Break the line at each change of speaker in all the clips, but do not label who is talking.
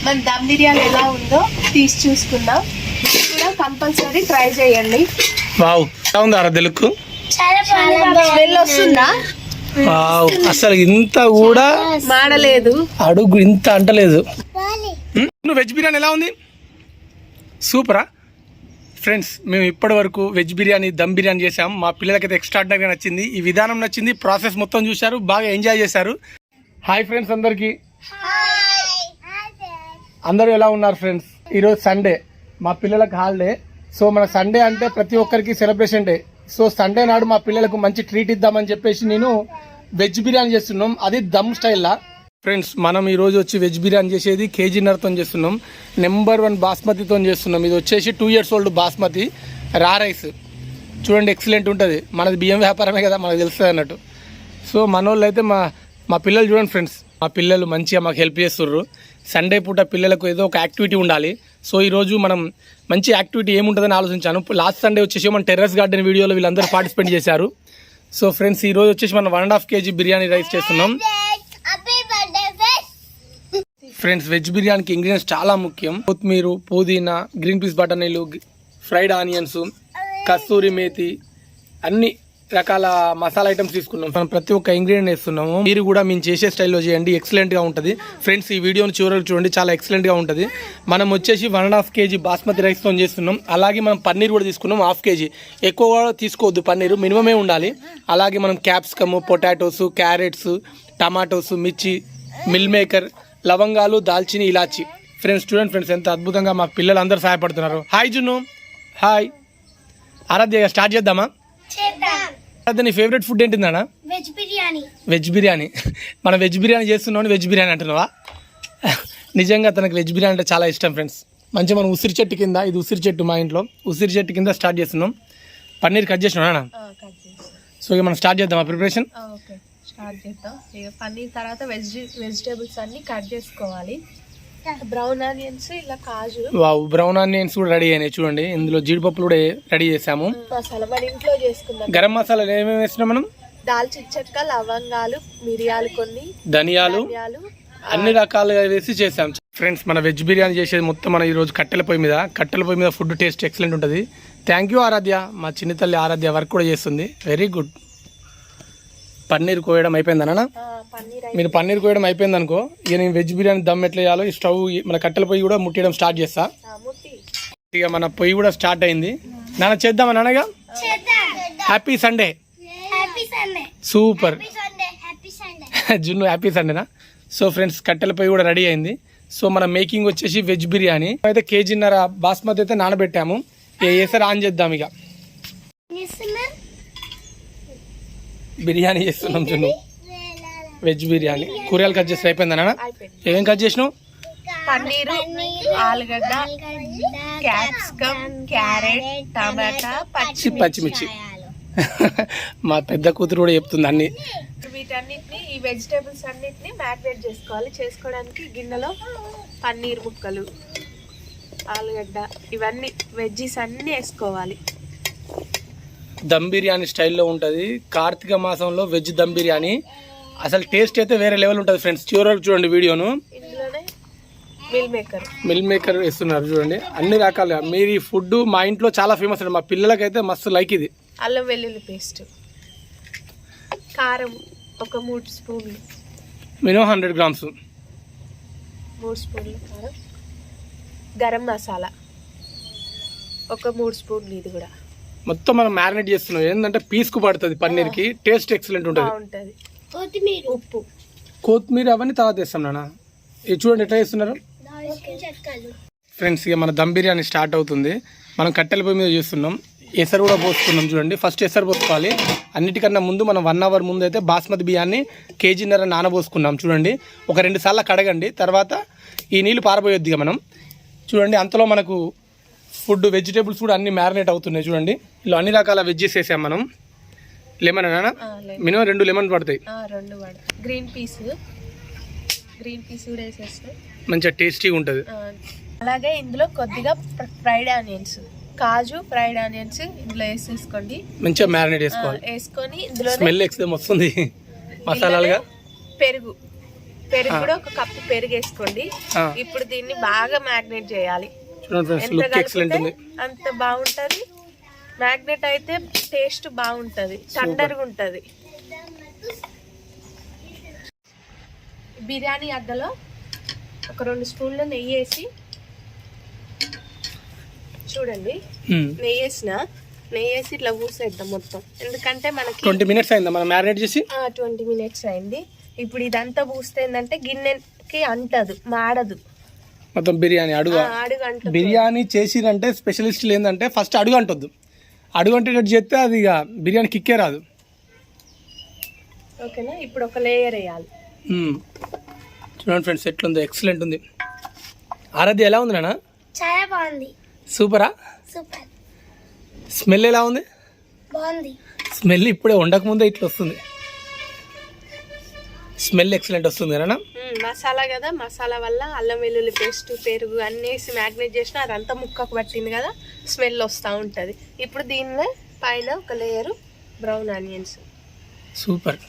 మన దమ్ బిర్యానీ ఎలా ఉందో తీసి చూసుకుందాం. కూడా కంపల్సరీ ట్రై చేయండి.
వావ్, ఎలా ఉంది ఆరాధ్య లుక్?
స్మెల్ వస్తుందా?
వావ్, అసలు ఇంత కూడా
మాడలేదు,
అడుగు ఇంత అంటలేదు. వెజ్ బిర్యానీ ఎలా ఉంది? సూపరా ఫ్రెండ్స్. మేము ఇప్పటి వరకు వెజ్ బిర్యానీ, దమ్ బిర్యానీ చేసాం. మా పిల్లలకైతే ఎక్స్ట్రాడినరీగా నచ్చింది. ఈ విధానం నచ్చింది, ప్రాసెస్ మొత్తం చూశారు, బాగా ఎంజాయ్ చేశారు. హాయ్ ఫ్రెండ్స్ అందరికీ. అందరూ ఎలా ఉన్నారు ఫ్రెండ్స్? ఈరోజు సండే, మా పిల్లలకు హాలిడే. సో మన సండే అంటే ప్రతి ఒక్కరికి సెలబ్రేషన్ డే. సో సండే నాడు మా పిల్లలకు మంచి ట్రీట్ ఇద్దామని చెప్పేసి నేను వెజ్ బిర్యానీ చేస్తున్నాం, అది దమ్ స్టైల్లా. ఫ్రెండ్స్ మనం ఈరోజు వచ్చి వెజ్ బిర్యానీ చేసేది కేజీన్నరతో చేస్తున్నాం. నెంబర్ 1 బాస్మతితో చేస్తున్నాం. ఇది వచ్చేసి 2 years old బాస్మతి రా రైస్. చూడండి ఎక్సలెంట్ ఉంటుంది. మనది బియ్యం వ్యాపారమే కదా, మనకు తెలుస్తుంది అన్నట్టు. సో మన వాళ్ళు అయితే మా పిల్లలు చూడండి ఫ్రెండ్స్, మా పిల్లలు మంచిగా మాకు హెల్ప్ చేస్తుర్రు. సండే పూట పిల్లలకు ఏదో ఒక యాక్టివిటీ ఉండాలి. సో ఈరోజు మనం మంచి యాక్టివిటీ ఏముంటుందని ఆలోచించాను. లాస్ట్ సండే వచ్చేసి మన టెర్రస్ గార్డెన్ వీడియోలో వీళ్ళందరూ పార్టిసిపేట్ చేశారు. సో ఫ్రెండ్స్ ఈరోజు వచ్చేసి మనం 1.5 kg బిర్యానీ రైస్ చేస్తున్నాం. ఫ్రెండ్స్ వెజ్ బిర్యానీకి ఇంగ్రీడియంట్స్ చాలా ముఖ్యం. కొత్తిమీర, పుదీనా, గ్రీన్ పీస్ బఠానీలు, ఫ్రైడ్ ఆనియన్స్, కస్తూరి మేతి, అన్ని రకాల మసాలా ఐటమ్స్ తీసుకున్నాం. మనం ప్రతి ఒక్క ఇంగ్రీడియంట్ వేస్తున్నాము. మీరు కూడా మేము చేసే స్టైల్లో చేయండి, ఎక్సలెంట్గా ఉంటుంది. ఫ్రెండ్స్ ఈ వీడియోని చివరికి చూడండి, చాలా ఎక్సలెంట్గా ఉంటుంది. మనం వచ్చేసి 1.5 kg బాస్మతి రైస్తో చేస్తున్నాం. అలాగే మనం పన్నీర్ కూడా తీసుకున్నాం 1/2 kg. ఎక్కువ కూడా తీసుకోవద్దు, పన్నీరు మినిమమే ఉండాలి. అలాగే మనం క్యాప్సికమ్, పొటాటోస్, క్యారెట్స్, టమాటోస్, మిర్చి, మిల్ మేకర్, లవంగాలు, దాల్చిని, ఇలాచి. ఫ్రెండ్స్ చూడండి ఫ్రెండ్స్ ఎంత అద్భుతంగా మా పిల్లలు అందరూ సహాయపడుతున్నారు. Hi Junnu, hi. Aaradhya start చేద్దామా? ఆరాధ్య నీ ఫేవరెట్ ఫుడ్ ఏంటిందన్నా?
వెజ్ బిర్యానీ.
వెజ్ బిర్యానీ. మనం వెజ్ బిర్యానీ చేస్తున్నావు, వెజ్ బిర్యానీ అంటున్నావా? నిజంగా తనకు వెజ్ బిర్యానీ అంటే చాలా ఇష్టం ఫ్రెండ్స్. మంచిగా మనం ఉసిరి చెట్టు కింద, ఇది ఉసిరి చెట్టు మా ఇంట్లో, ఉసిరి చెట్టు కింద స్టార్ట్ చేస్తున్నాం. పన్నీర్ కట్ చేసినా? సో ఇక మనం స్టార్ట్ చేద్దామా ప్రిపరేషన్?
స్టార్ట్ చేద్దాం. ఇక పన్నీర్ తర్వాత వెజిటేబుల్స్ అన్ని కట్ చేసుకోవాలి. బ్రౌన్ ఆనియన్స్, ఇలా కాజు.
వావ్, బ్రౌన్ ఆనియన్స్ కూడా రెడీ అయినాయి చూడండి. ఇందులో జీడిపప్పులు కూడా రెడీ చేసాము.
మసాలా మన ఇంట్లో చేసుకుందాం.
గరం మసాలాలు ఏమేమి వేసినాం మనం?
దాల్చిన చెక్క, లవంగాలు, మిరియాలు, కొన్ని
ధనియాలు, అన్ని రకాలుగా వేసి చేసాం. ఫ్రెండ్స్ మన వెజ్ బిర్యానీ చేసేది మొత్తం మన ఈరోజు కట్టెల పొయ్యి మీద ఫుడ్ టేస్ట్ ఎక్సలెంట్ ఉంటుంది. Thank you Aaradhya. మా చిన్న తల్లి ఆరాధ్య వర్క్ కూడా చేస్తుంది, వెరీ గుడ్. పన్నీర్ కోయడం అయిపోయిందనా? మీరు పన్నీర్ కోయడం అయిపోయింది అనుకో, ఇక నేను వెజ్ బిర్యానీ దమ్ ఎట్లా చేయాలో ఈ స్టవ్ మన కట్టెల పొయ్యి కూడా ముట్టడం స్టార్ట్ చేస్తా. ఇక మన పొయ్యి కూడా స్టార్ట్ అయింది. నాన్న చేద్దామా నాన్నగా? Happy Sunday. Super Junnu, happy సండేనా? సో ఫ్రెండ్స్ కట్టెల పొయ్యి కూడా రెడీ అయింది. సో మన మేకింగ్ వచ్చేసి వెజ్ బిర్యానీ అయితే 1.5 kg బాస్మతి అయితే నానబెట్టాము. ఏసారి ఆన్ చేద్దాం. ఇక బిర్యానీ చేస్తున్నాం జున్ను, వెజ్ బిర్యానీ. కూరగాయలు కట్ చేస్తే అయిపోయిందా? ఏమేం కట్ చేసినావు?
పన్నీరు, ఆలుగడ్డ, క్యాప్సికమ్, క్యారెట్, టమాటా,
పచ్చిమిర్చి. మా పెద్ద కూతురు కూడా చెప్తుంది అన్ని.
వీటన్నిటిని, ఈ వెజిటేబుల్స్ అన్నిటిని మ్యారినేట్ చేసుకోవాలి. చేసుకోవడానికి గిన్నెలో పన్నీర్ ముక్కలు, ఆలుగడ్డ, ఇవన్నీ వెజ్జీస్ అన్నీ వేసుకోవాలి.
దమ్ బిర్యానీ స్టైల్లో ఉంటుంది. కార్తీక మాసంలో వెజ్ దమ్ బిర్యానీ అసలు టేస్ట్ అయితే వేరే లెవెల్ ఉంటుంది ఫ్రెండ్స్. చివరికి చూడండి వీడియోను.
ఇందులోనే మిల్ మేకర్ వేస్తున్నారు చూడండి. అన్ని రకాలుగా మీరు ఈ ఫుడ్ మా ఇంట్లో చాలా ఫేమస్ అండి. మా పిల్లలకైతే మస్తు లైక్ ఇది. అల్లం వెల్లుల్లి పేస్ట్, కారం ఒక 3 స్పూన్లు,
మినిమం 100 grams,
3 స్పూన్లు కారం, గరం మసాలా ఒక 3 స్పూన్లు, ఇది కూడా
మొత్తం మనం మ్యారినేట్ చేస్తున్నాం. ఏంటంటే పీస్కు పడుతుంది పన్నీర్కి, టేస్ట్ ఎక్సలెంట్ ఉంటుంది.
ఉప్పు,
కొత్తిమీర అవన్నీ తర్వాత వేస్తాం నాన్న. ఇది చూడండి ఎట్లా చేస్తున్నారు ఫ్రెండ్స్. ఇక మన దమ్ బిర్యానీ స్టార్ట్ అవుతుంది. మనం కట్టెల పొయ్యి మీద చేస్తున్నాం. ఎసరు కూడా పోసుకున్నాం చూడండి. ఫస్ట్ ఎసరు పోసుకోవాలి. అన్నిటికన్నా ముందు మనం 1 hour ముందు అయితే బాస్మతి బియ్యాన్ని 1.5 kg నానబోసుకున్నాం చూడండి. ఒక 2 సార్లు కడగండి, తర్వాత ఈ నీళ్ళు పారబోయొద్దు. ఇక మనం చూడండి అంతలో మనకు ఫుడ్ వెజిటేబుల్స్ కూడా అన్ని మ్యారినేట్ అవుతున్నాయి చూడండి. ఇలా అన్ని రకాల వెజ్జెస్ వేసాం మనం. లెమన్ అన్నా మినిమం 2 లెమన్ పడతాయి.
గ్రీన్ పీస్ కూడా వేసేస్తే
మంచిగా టేస్టీగా ఉంటుంది.
అలాగే ఇందులో కొద్దిగా ఫ్రైడ్ ఆనియన్స్, కాజు, ఫ్రైడ్ ఆనియన్స్ ఇందులో వేసేసుకోండి.
మంచిగా మ్యారినేట్ చేసుకోవాలి.
వేసుకొని ఇందులో
స్మెల్ ఎక్స్ట్రా వస్తుంది మసాలాలుగా.
పెరుగు
పెరుగు కూడా ఒక కప్పు పెరుగు వేసుకోండి. ఇప్పుడు దీన్ని బాగా మ్యాగ్నేట్ చేయాలి. అంత బాగుంటది. మ్యాగ్నేట్ అయితే టేస్ట్ బాగుంటది, టండర్గా ఉంటది. బిర్యానీ అద్దలో ఒక 2 స్పూన్లు నెయ్యి వేసి చూడండి. నెయ్యి వేసి ఇట్లా పూసేద్దాం మొత్తం. ఎందుకంటే మనకి
20 మినిట్స్ అయిందా మనం మ్యారినేట్ చేసి?
20 మినిట్స్ అయింది. ఇప్పుడు ఇదంతా పూస్తే ఏంటంటే గిన్నెకి అంటదు, మాడదు
మొత్తం. బిర్యానీ అడుగు బిర్యానీ చేసిరంటే స్పెషలిస్టులు ఏంటంటే ఫస్ట్ అడుగు అంటొద్దు. అడుగు అంటేటట్టు చేస్తే అది ఇక బిర్యానీ కిక్కే రాదు.
ఓకేనా? ఇప్పుడు ఒక లేయర్ వేయాలి.
చూడండి ఫ్రెండ్స్ ఎట్లుందో, ఎక్సలెంట్ ఉంది. ఆరాధ్య ఎలా ఉంది నాన్న?
చాలా బాగుంది.
సూపరా?
సూపర్.
స్మెల్ ఎలా ఉంది?
బాగుంది.
స్మెల్ ఇప్పుడే వండక ముందే ఇట్లా వస్తుంది. స్మెల్ ఎక్సలెంట్ వస్తుంది కదా.
మసాలా కదా, మసాలా వల్ల అల్లం వెల్లుల్లి పేస్ట్, పెరుగు అన్నీ వేసి మ్యాగ్నేట్ చేసిన అదంతా ముక్కకు పట్టింది కదా, స్మెల్ వస్తూ ఉంటుంది. ఇప్పుడు దీనిలో పైన ఒక లేయరు బ్రౌన్ ఆనియన్స్.
సూపర్.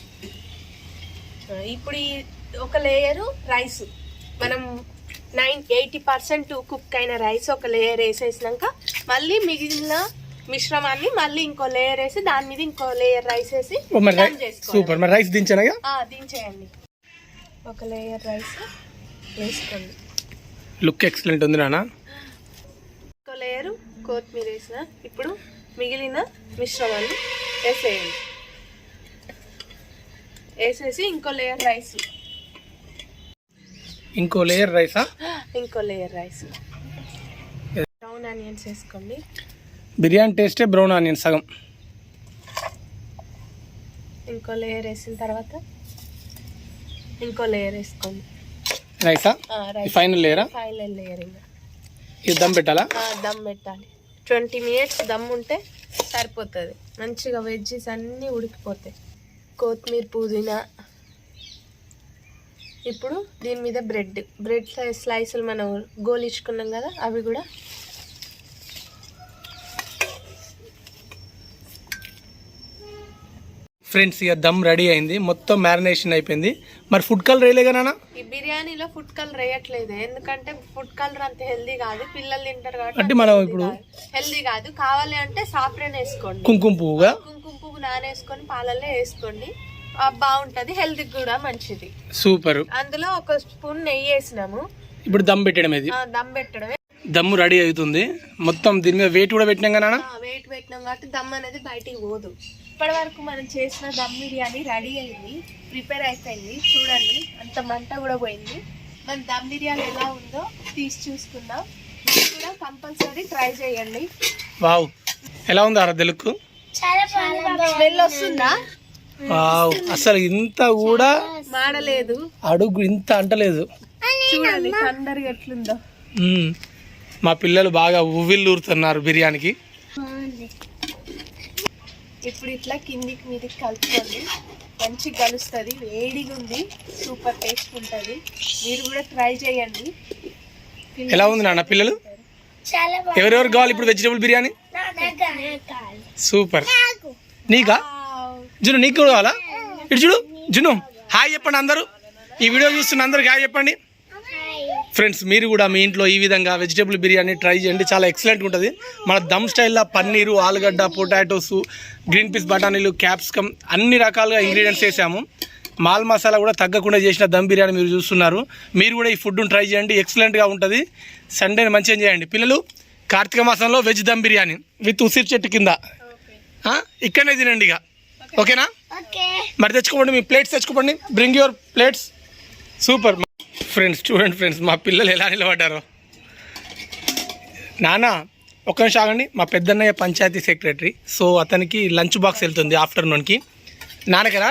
ఇప్పుడు ఈ ఒక లేయరు రైస్, మనం 80% కుక్ అయిన రైస్ ఒక లేయర్ వేసేసినాక మళ్ళీ మిగిలిన మిశ్రమాన్ని మళ్ళీ ఇంకో లేయర్ వేసి దాని మీద ఇంకో లేయర్ రైస్ వేసి
సూపర్. మరి రైస్ దించానగా?
దించేయండి. ఒక లేయర్ రైస్ వేసుకోండి.
లుక్ ఎక్సలెంట్ ఉంది నాన్న.
ఇంకో లేయరు కొత్తిమీర వేసిన. ఇప్పుడు మిగిలిన మిశ్రమాన్ని వేసేయండి. వేసేసి ఇంకో లేయర్ రైస్.
ఇంకో లేయర్ రైసా?
ఇంకో లేయర్ రైస్. బ్రౌన్ ఆనియన్స్ వేసుకోండి.
బిర్యానీ టేస్టే బ్రౌన్ ఆనియన్ సగం.
ఇంకో లేయర్ వేసిన తర్వాత ఇంకో లేయర్ వేసుకోండి.
రైసా? ఫైనల్ లేయరా?
Final layer. ఇంకా
ఇది దమ్ పెట్టాలా?
దమ్ పెట్టాలి. 20 మినిట్స్ దమ్ ఉంటే సరిపోతుంది. మంచిగా వెజ్జెస్ అన్నీ ఉడికిపోతాయి. కొత్తిమీర, పుదీనా. ఇప్పుడు దీని మీద బ్రెడ్ స్లైసులు మనం గోలించుకున్నాం కదా, అవి కూడా
ఫ్రెండ్స్. ఇక దమ్ రెడీ అయింది, మొత్తం మ్యారినేషన్ అయిపోయింది. మరి ఫుడ్ కలర్ వేయలేగా నాన్న?
ఈ బిర్యానీలో ఫుడ్ కలర్ వేయట్లేదు, ఎందుకంటే ఫుడ్ కలర్ అంత హెల్దీ కాదు, పిల్లలు తింటారు
అంటే
కాబట్టి.
మనం ఇప్పుడు
హెల్దీ కాదు. కావాలి అంటే సాఫ్రెన్ వేసుకోండి.
కుంకుమ పువ్వుగా
కుంకుమ పువ్వు నానేసుకొని పాలల్లో వేసుకోండి. బాగుంటది, హెల్త్ కూడా మంచిది.
సూపర్.
అందులో ఒక స్పూన్ నెయ్యి వేసినాము.
ఇప్పుడు దమ్ పెట్టడం. ఇది
దమ్ పెట్టడమే.
దమ్ము రెడీ అవుతుంది. మొత్తం దీని మీద వెయిట్ కూడా పెట్టినాం కదా.
వెయిట్ పెట్టినాం కాబట్టి దమ్ అనేది బయటికి పోదు. ఇప్పటి వరకు మనం చేసిన దమ్ బిర్యానీ రెడీ అయింది, ప్రిపేర్ అయిపోయింది. చూడండి, అంత మంట కూడా పోయింది. మన దమ్ బిర్యానీ ఎలా ఉందో తీసి చూసుకుందాం. మీరు కూడా కంపల్సరీ ట్రై చేయండి.
వావ్, ఎలా ఉంది ఆరాధ్య లుక్?
స్మెల్ వస్తుందా?
వావ్, అసలు ఇంత కూడా
మాడలేదు,
అడుగు ఇంత అంటలేదు.
చూడండి తొందరగా ఎట్లుందో.
మా పిల్లలు బాగా ఉవ్విల్లూరుతున్నారు బిర్యానీకి.
ఇప్పుడు ఇట్లా కిందికి మీదకి కలుపుకోండి, మంచిగా కలుస్తుంది. వేడిగా ఉంది, సూపర్ టేస్ట్ ఉంటుంది. మీరు కూడా ట్రై చేయండి.
ఎలా ఉంది నాన్న పిల్లలు? ఎవరెవరు కావాలి ఇప్పుడు వెజిటబుల్ బిర్యానీ? సూపర్. నీకా జును? నీకు కూడా కావాలా? ఇటు చూడు జును, హాయ్ చెప్పండి అందరూ. ఈ వీడియో చూస్తున్న అందరికి హాయ్ చెప్పండి. ఫ్రెండ్స్, మీరు కూడా మీ ఇంట్లో ఈ విధంగా వెజిటేబుల్ బిర్యానీ ట్రై చేయండి, చాలా ఎక్సలెంట్ ఉంటుంది. మన దమ్ స్టైల్లో పన్నీరు, ఆలుగడ్డ, పొటాటోస్, గ్రీన్ పీస్ బఠానీలు, క్యాప్సికమ్ అన్ని రకాలుగా ఇంగ్రీడియంట్స్ వేసాము. మాల్ మసాలా కూడా తగ్గకుండా చేసిన దమ్ బిర్యానీ మీరు చూస్తున్నారు. మీరు కూడా ఈ ఫుడ్ను ట్రై చేయండి, ఎక్సలెంట్గా ఉంటుంది. సండేని మంచిగా చేయండి పిల్లలు. కార్తీక మాసంలో వెజ్ దమ్ బిర్యానీ విత్ ఉసిరి చెట్టు కింద ఇక్కడనే తినండి ఇక. ఓకేనా? మరి తెచ్చుకోండి, మీ ప్లేట్స్ తెచ్చుకోండి. Bring your plates. Super. Friends చూడండి ఫ్రెండ్స్, మా పిల్లలు ఎలా నిలబడ్డారో. నాన్న ఒక్క నిమిషం ఆగండి. మా పెద్దన్నయ్య పంచాయతీ సెక్రటరీ, సో అతనికి లంచ్ బాక్స్ వెళ్తుంది ఆఫ్టర్నూన్కి. నాన్నకరా?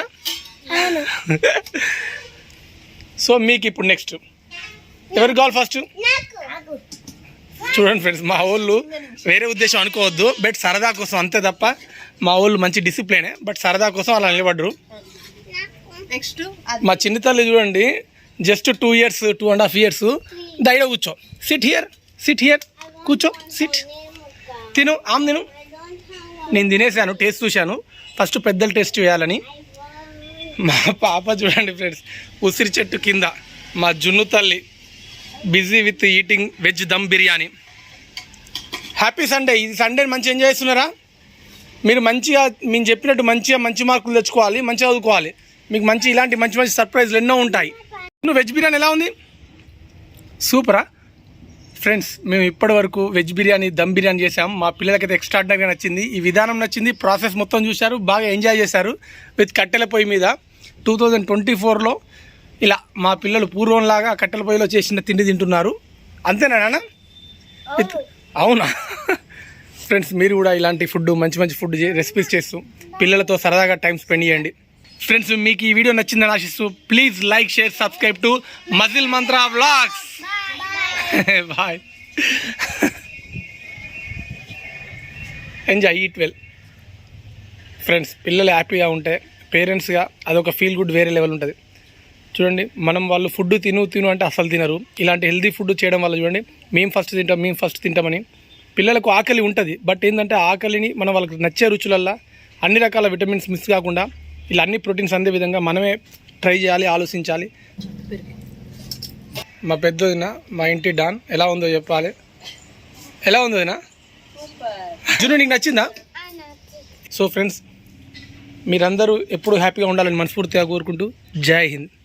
సో మీకు ఇప్పుడు నెక్స్ట్ ఎవరు కావాలి ఫస్ట్? చూడండి ఫ్రెండ్స్, మా వాళ్ళు వేరే ఉద్దేశం అనుకోవద్దు, బట్ సరదా కోసం అంతే తప్ప. మా వాళ్ళు మంచి డిసిప్లినే, బట్ సరదా కోసం అలా నిలబడ్డరు.
నెక్స్ట్
మా చిన్న తల్లి చూడండి, జస్ట్ 2 years 2.5 years. దైడ కూర్చో, సిట్ హియర్ కూర్చో, సిట్, తిను, తిను. నేను తినేసాను, టేస్ట్ చూశాను. ఫస్ట్ పెద్దలు టేస్ట్ చేయాలని. మా పాప చూడండి ఫ్రెండ్స్, ఉసిరి చెట్టు కింద మా జున్ను తల్లి busy with eating veg dum biryani. Happy Sunday. ఈ సండేని మంచిగా ఎంజాయ్ చేస్తున్నారా? మీరు మంచిగా మేము చెప్పినట్టు మంచి మార్కులు తెచ్చుకోవాలి, మంచిగా చదువుకోవాలి. మీకు ఇలాంటి మంచి సర్ప్రైజ్లు ఎన్నో ఉంటాయి. వెజ్ బిర్యానీ ఎలా ఉంది? సూపరా ఫ్రెండ్స్. మేము ఇప్పటి వరకు వెజ్ బిర్యానీ దమ్ బిర్యానీ చేసాం. మా పిల్లలకైతే ఎక్స్ట్రాడినరీగా నచ్చింది. ఈ విధానం నచ్చింది, ప్రాసెస్ మొత్తం చూశారు, బాగా ఎంజాయ్ చేశారు విత్ కట్టెల పొయ్యి మీద. 2024లో ఇలా మా పిల్లలు పూర్వంలాగా కట్టెల పొయ్యిలో చేసిన తిండి తింటున్నారు. అంతేనా నాన్న? అవునా ఫ్రెండ్స్, మీరు కూడా ఇలాంటి ఫుడ్ మంచి ఫుడ్ రెసిపీస్ చేస్తూ పిల్లలతో సరదాగా టైం స్పెండ్ చేయండి. ఫ్రెండ్స్, మీకు ఈ వీడియో నచ్చిందని ఆశిస్తూ please like, share, subscribe to muscle Mantra vlogs. Bye. Enjoy, eat well. Friends, పిల్లలు హ్యాపీగా ఉంటే పేరెంట్స్గా అదొక ఫీల్ గుడ్ వేరే లెవెల్ ఉంటుంది. చూడండి, వాళ్ళు ఫుడ్ తిను అంటే అసలు తినరు. ఇలాంటి హెల్తీ ఫుడ్ చేయడం వల్ల చూడండి, మేము ఫస్ట్ తింటామని పిల్లలకు ఆకలి ఉంటుంది. బట్ ఏంటంటే ఆకలిని మనం వాళ్ళకి నచ్చే రుచులల్లో అన్ని రకాల విటమిన్స్ మిస్ కాకుండా ఇలా అన్ని ప్రోటీన్స్ అందే విధంగా మనమే ట్రై చేయాలి, ఆలోచించాలి. మా పెద్దదిన మా ఇంటి డాన్ ఎలా ఉందో చెప్పాలి. ఎలా ఉందో దినా? జున్ను, నీకు నచ్చిందా? సో ఫ్రెండ్స్, మీరందరూ ఎప్పుడు హ్యాపీగా ఉండాలని మనస్ఫూర్తిగా కోరుకుంటూ జై హింద్.